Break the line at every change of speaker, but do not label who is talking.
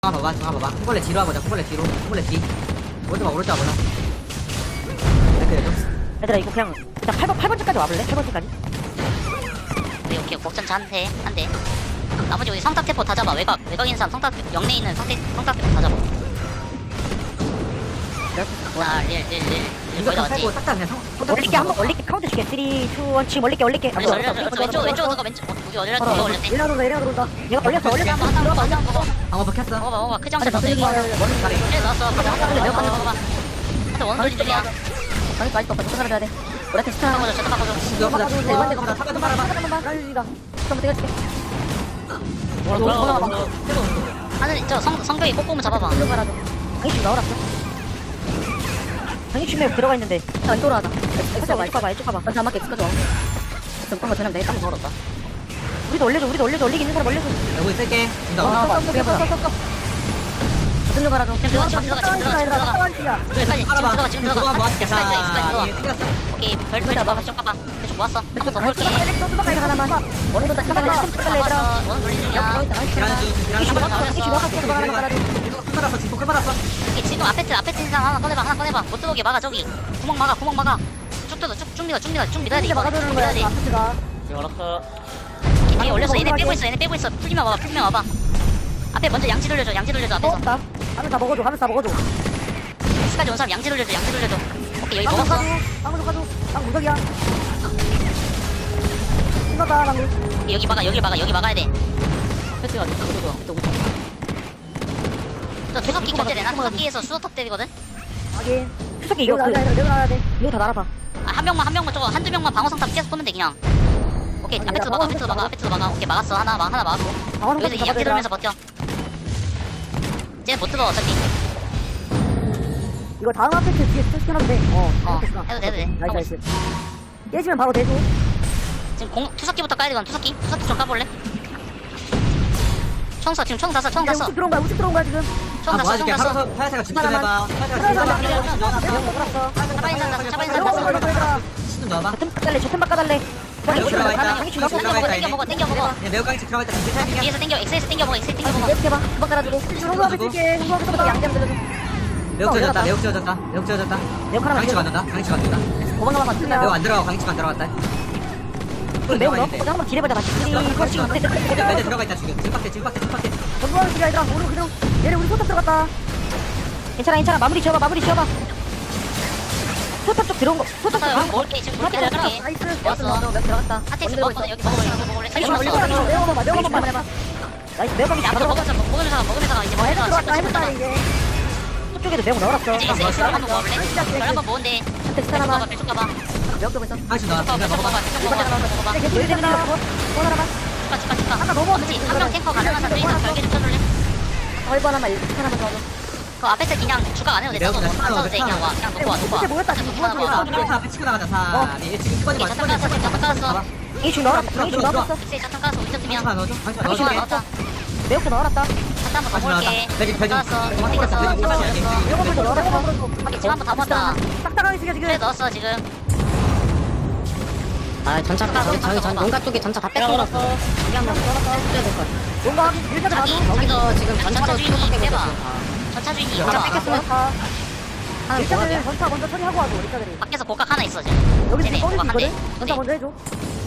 봐봐, 봐봐. 콩벌레 뒤로 와보자. 콩벌레 뒤로. 콩벌레 뒤. 오른쪽 봐, 오른쪽 와보자. 이렇게 해줘.
얘들아 이거 그냥 8번째까지 와볼래? 8번째까지?
오케이 복전차 한대 나머지 우리 성탁대포 다 잡아. 외곽 있는 사람 영내에 있는 성탁대포 다 잡아. 릴
이거
거의 다
좀
왔지.
살고 싹다 그냥
올릴게 한번 올릴게 카운트 줄게 3, 2, 1 지금 올릴게
왼쪽 누가 왼쪽 우리 어디라 누가 올렸대.
일나 들어온다 얘가 올렸어
한번 먹어.
방어 먹혔어.
먹어봐 그 장치
안에
넣었어 이거.
더
잘해.
그래 넣었어.
매우
한번 먹어봐. 한테 원소리 중이야.
당연히 아직도 없어 살아야 돼 우리한테 스타
바꿔줘 저도 바꿔줘.
이거 보자.
일반대
보자. 사과 좀 말아봐.
날리가 한번 때려줄게
하늘 저 성벽이 꼼꼼히 잡아봐.
들어가라도 당연히 지금 나오랐어 당연히 지금 들어가 있는데 안 돌아가다 이쪽 가봐 난 자막 엑스까지 와 전방가 전화면 내가 깜짝 놀랐다 우리도 올려줘 올리기 있는 사람 올려줘
여기 쓸게. 준다.
어떤 거 가라도
지금 들어가. 그래 빨리 지금 들어가.
그거 모아줄게.
있어.
자, 얘 튕겼어.
오케이 별 막아 좀 까봐. 계속 모았어. 한번 더 볼게.
하나만 원도 다
모았어. 원 돌리는 중이야.
끝말았어. 지금 끝말았어.
오케이, 지금 앞에 틀 사람 하나 꺼내봐. 못 들어오게 막아 저기. 구멍 막아. 쭉 뜯어 쭉 밀어야 돼. 이거 밀어야 돼.
알았어.
뒤에 올렸어. 얘네 빼고 있어. 풀리면 와봐. 앞에 먼저 양치 돌려줘. 앞에서.
먹었다 하면 다 먹어줘
스까지 온 사람 양치 돌려줘. 오케이 여기 먹었어.
빵 가져 무적이야 이거다 방금
여기 막아야 돼.
패스가
저 투석기 견제되나? 투석기에서 수소탑 때리거든?
확인 수석기 이거 내려놔야 돼 이거 다 날아봐
한 명만 저거 한두 명만 방어성탑 계속 보면 돼 그냥. 오케이 앞에 막아. 오케이 막았어. 하나 막았고. 여기서 양치 돌면서 버텨. 쟤는 못 들어 어차피.
이거 다음 아파트 뒤에 스캔하면 돼
해도 돼.
나이스 깨지면 바로 대줘
지금 투석기부터 까야 되거든. 투석기 좀 까볼래? 총 쐈어.
우측 들어온 거야 지금
총 쐈어.
모아줄게. 하루서 파야세가 집중해봐. 좀 넣어봐.
저템 바꿔달래
땡겨 먹어.
그냥 매우 깡치 들어가 있다. 진짜 타이밍이야.
뒤에서 땡겨. 엑세에서 땡겨 먹어.
이렇게 봐 금방 깔아주고 홍보 앞에 쓸게 홍보 앞에서 양념 들려줘
매우 찢어졌다.
매우 하나만
강치가 안 된다.
도망가면 안
매우
된다
안 들어가. 강치가 안 들어가다.
매우 넣어 한번 딜해보자 같이
매대 들어가 있다 지금. 지금 빡대.
전부하는 시간 얘들아 우리 그대로 얘네 우리 소탑 들어갔다 괜찮아 마무리 지어봐 소탑 쪽 들어온 거 소탑 쪽 들어온 거
먹을게. 지금 먹을게.
나이스
먹었어.
몇 들어갔다
하트엑스 먹었어. 여기 먹어볼래.
매우 먹어봐 나이스 매우 먹이
앞으로 먹으면서 가. 이제
헤드
먹으면서
들어왔다 해봤다 이제 저쪽에도 매우 넣어놨어
이제 엑스 한번 먹어볼래? 별 한번 먹은데.
한테 스타 하나만
쭉 가봐.
매우 들고 있어
강치 나왔어. 먹어봐.
계속 들어가 또 하나만 아까 너무
그렇지. 한명 탱커 가능한 사람 있어. 별개 좀 쳐줄래?
얼굴 하나만 하나만 더
그 앞에서 그냥 주각 안 해도 돼. 저거 안 써도 돼. 그냥 와. 그냥 놓고 와.
밑에 모였다 지금
다 앞에 치고 나가자. 4, 2, 1. 지금
오케이, 자탄 깔았어.
이중 넣어놨어 이중 넣어놨어
엑스에 자탄 깔았어. 우리 팀이야.
강치 넣어줘. 강치
우리 팀
넣어줄게.
넣었다.
매우도 넣어놨다
자탄 한번 더 먹을게.
배지.
깔았어.
배지.
땡겼어.
배지.
잡아버렸어.
매우도 넣어놨어
오케이, 지금 한번 다 모았다.
딱딱하게 쓰게 지금
그래 넣었어 지금.
아 전차 저기 농가 쪽에 전차 다 뺏어놨어.
이게 한번 넣어놨어 뭔가 일자도 봐도
여기서 지금 전차
전차
쪽
주인이
뺏기고
빼봐.
있어.
전차 주인이
전차
있잖아.
뺏겼으면 하나
일자들
뭐야?
전차 먼저 처리하고 와줘 일자들이
밖에서 복각 하나 있어 지금.
여기
쟤네
지금 꺼내고
복각 한 대.
있거든? 전차 먼저 해줘